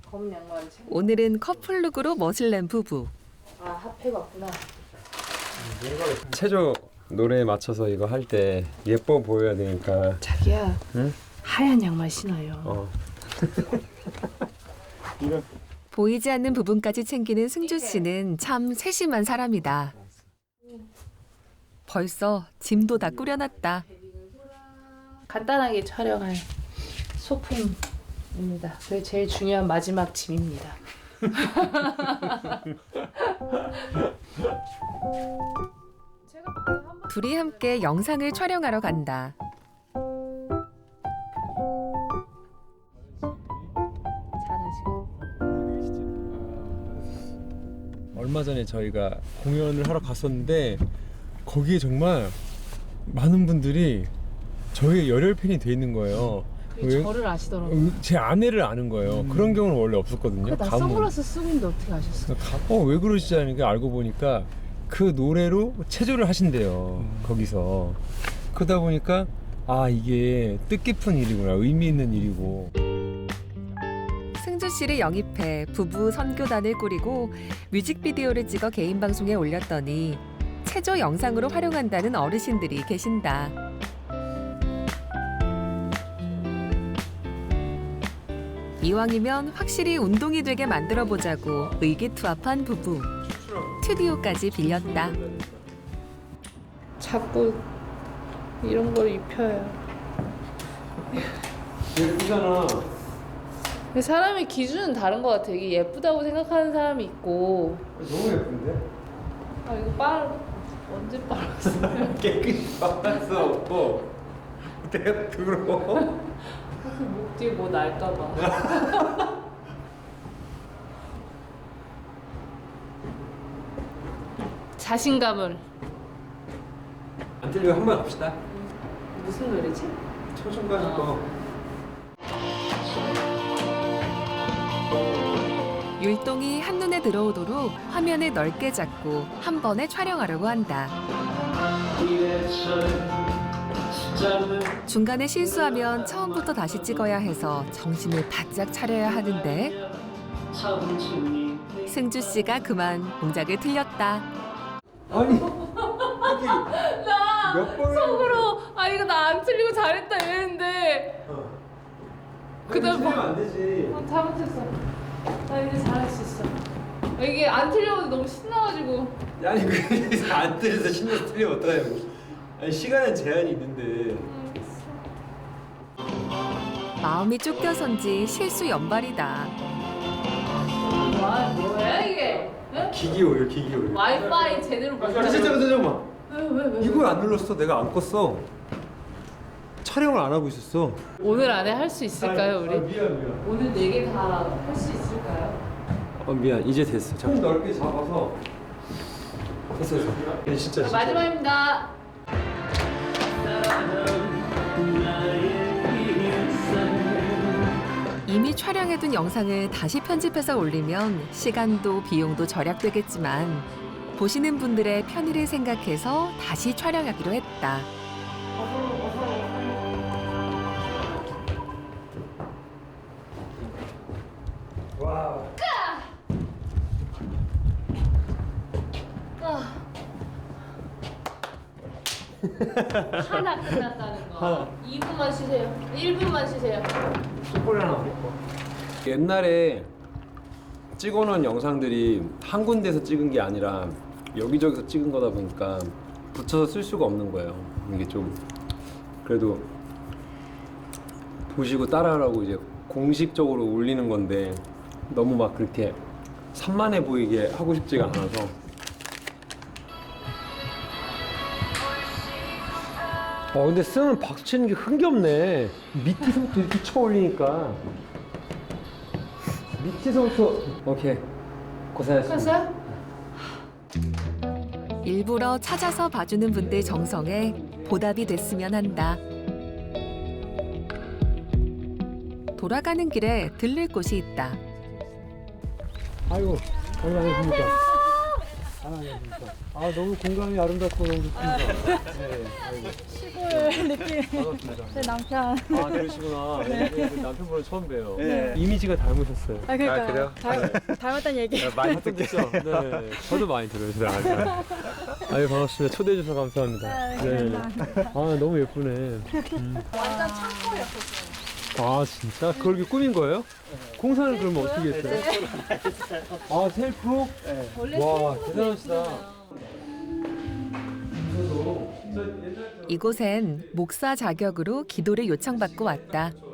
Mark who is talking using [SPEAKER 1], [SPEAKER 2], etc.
[SPEAKER 1] 검은 양말 챙겨.
[SPEAKER 2] 오늘은 커플룩으로 멋을 낸 부부.
[SPEAKER 1] 아 핫팩 왔구나.
[SPEAKER 3] 체조 노래에 맞춰서 이거 할 때 예뻐 보여야 되니까.
[SPEAKER 1] 자기야.
[SPEAKER 3] 응?
[SPEAKER 1] 하얀 양말 신어요.
[SPEAKER 3] 어.
[SPEAKER 2] 보이지 않는 부분까지 챙기는 승주 씨는 참 세심한 사람이다. 벌써 짐도 다 꾸려놨다.
[SPEAKER 1] 간단하게 촬영할 소품입니다. 그게 제일 중요한 마지막 짐입니다.
[SPEAKER 2] 둘이 함께 영상을 촬영하러 간다.
[SPEAKER 1] 자는 시간.
[SPEAKER 3] 얼마 전에 저희가 공연을 하러 갔었는데 거기에 정말 많은 분들이 저희의 열혈 팬이 돼 있는 거예요.
[SPEAKER 1] 그게 저를 아시더라고요.
[SPEAKER 3] 제 아내를 아는 거예요. 그런 경우는 원래 없었거든요.
[SPEAKER 1] 나 선글라스 쓰고 있는데 어떻게 아셨어?
[SPEAKER 3] 왜 그러시지 하니까 알고 보니까 그 노래로 체조를 하신대요. 거기서. 그러다 보니까 아 이게 뜻깊은 일이구나. 의미 있는 일이고.
[SPEAKER 2] 승주 씨를 영입해 부부 선교단을 꾸리고 뮤직비디오를 찍어 개인 방송에 올렸더니 체조 영상으로 활용한다는 어르신들이 계신다. 이왕이면 확실히 운동이 되게 만들어 보자고 의기투합한 부부. 스튜디오까지 빌렸다.
[SPEAKER 1] 자꾸 이런 걸 입혀요.
[SPEAKER 3] 예쁘잖아.
[SPEAKER 1] 사람의 기준은 다른 것 같아. 이게 예쁘다고 생각하는 사람이 있고.
[SPEAKER 3] 너무 예쁜데?
[SPEAKER 1] 아 이거 언제 빨았어?
[SPEAKER 3] 깨끗이 빨았어. 내가 더러워.
[SPEAKER 1] 목 뒤에 뭐 날까봐. 자신감을.
[SPEAKER 3] 안 들리고 한 번 합시다.
[SPEAKER 1] 무슨 노래지?
[SPEAKER 3] 초중반 거.
[SPEAKER 2] 율동이 한눈에 들어오도록 화면을 넓게 잡고 한 번에 촬영하려고 한다. 중간에 실수하면 처음부터 다시 찍어야 해서 정신을 바짝 차려야 하는데 승주 씨가 그만 동작을 틀렸다.
[SPEAKER 3] 아니
[SPEAKER 1] 나
[SPEAKER 3] 몇 번을-
[SPEAKER 1] 속으로 이거 나 안 틀리고 잘했다 이랬는데 그다음 뭐
[SPEAKER 3] 안 되지.
[SPEAKER 1] 잘못했어. 나 이제 잘할 수 있어. 이게 안 틀려도 너무 신나가지고.
[SPEAKER 3] 아니 그래서 안 들려서 신경 틀리면 어떡하냐고. 아니 시간은 제한이 있는데.
[SPEAKER 2] 마음이 쫓겨선지 실수 연발이다.
[SPEAKER 1] 뭐야 이게? 응?
[SPEAKER 3] 기기 오류 기기 오류.
[SPEAKER 1] 와이파이 제대로 못
[SPEAKER 3] 잠깐만.
[SPEAKER 1] 왜?
[SPEAKER 3] 이걸 안 눌렀어. 내가 안 껐어. 촬영을 안 하고 있었어.
[SPEAKER 1] 오늘 안에 할 수 있을까요 우리?
[SPEAKER 3] 미안.
[SPEAKER 1] 오늘 4개 다 할 수 있을까요?
[SPEAKER 3] 미안. 이제 됐어. 좀 넓게 잡아서. 됐어. 야, 진짜.
[SPEAKER 1] 마지막입니다.
[SPEAKER 2] 이미 촬영해둔 영상을 다시 편집해서 올리면 시간도 비용도 절약되겠지만 보시는 분들의 편의를 생각해서 다시 촬영하기로 했다.
[SPEAKER 3] 와.
[SPEAKER 1] 하나 끝났다는 거.
[SPEAKER 3] 하나.
[SPEAKER 1] 2분만 쉬세요. 1분만 쉬세요.
[SPEAKER 3] 초콜릿 하나 먹고. 옛날에 찍어놓은 영상들이 한 군데서 찍은 게 아니라 여기저기서 찍은 거다 보니까 붙여서 쓸 수가 없는 거예요. 이게 좀 그래도 보시고 따라하라고 이제 공식적으로 올리는 건데 너무 막 그렇게 산만해 보이게 하고 싶지가 않아서. 근데 쓰면 박수 치는 게 흥겹네. 밑에서부터 이렇게 쳐 올리니까. 밑에서부터. 오케이. 고생하셨습니다.
[SPEAKER 1] 끝났어요?
[SPEAKER 2] 일부러 찾아서 봐주는 분들 정성에 보답이 됐으면 한다. 돌아가는 길에 들릴 곳이 있다.
[SPEAKER 3] 아이고, 얼마나 됩니까? 아 너무 공간이 아름답고 너무 좋습니다. 네, 아이고.
[SPEAKER 4] 시골 느낌.
[SPEAKER 3] 반갑습니다.
[SPEAKER 4] 제 남편.
[SPEAKER 3] 아 그러시구나. 네. 남편분을 처음 봬요.
[SPEAKER 5] 네.
[SPEAKER 3] 이미지가 닮으셨어요.
[SPEAKER 4] 아 그러니까
[SPEAKER 5] 그래요?
[SPEAKER 4] 닮았다는 얘기.
[SPEAKER 3] 많이 듣겠죠? 네. 저도 많이 들어요, 제가. 아유 반갑습니다. 초대해 주셔서 감사합니다. 네. 아 너무 예쁘네.
[SPEAKER 1] 완전 창고였었어요.
[SPEAKER 3] 아 진짜? 그걸 이렇게 꾸민 거예요? 공사를 그러면 어떻게 했어요? 아 셀프?
[SPEAKER 1] 원래
[SPEAKER 3] 와,
[SPEAKER 1] 창고도
[SPEAKER 3] 대단하시다.
[SPEAKER 1] 예쁘잖아요.
[SPEAKER 2] 이곳엔 목사 자격으로 기도를 요청받고 왔다.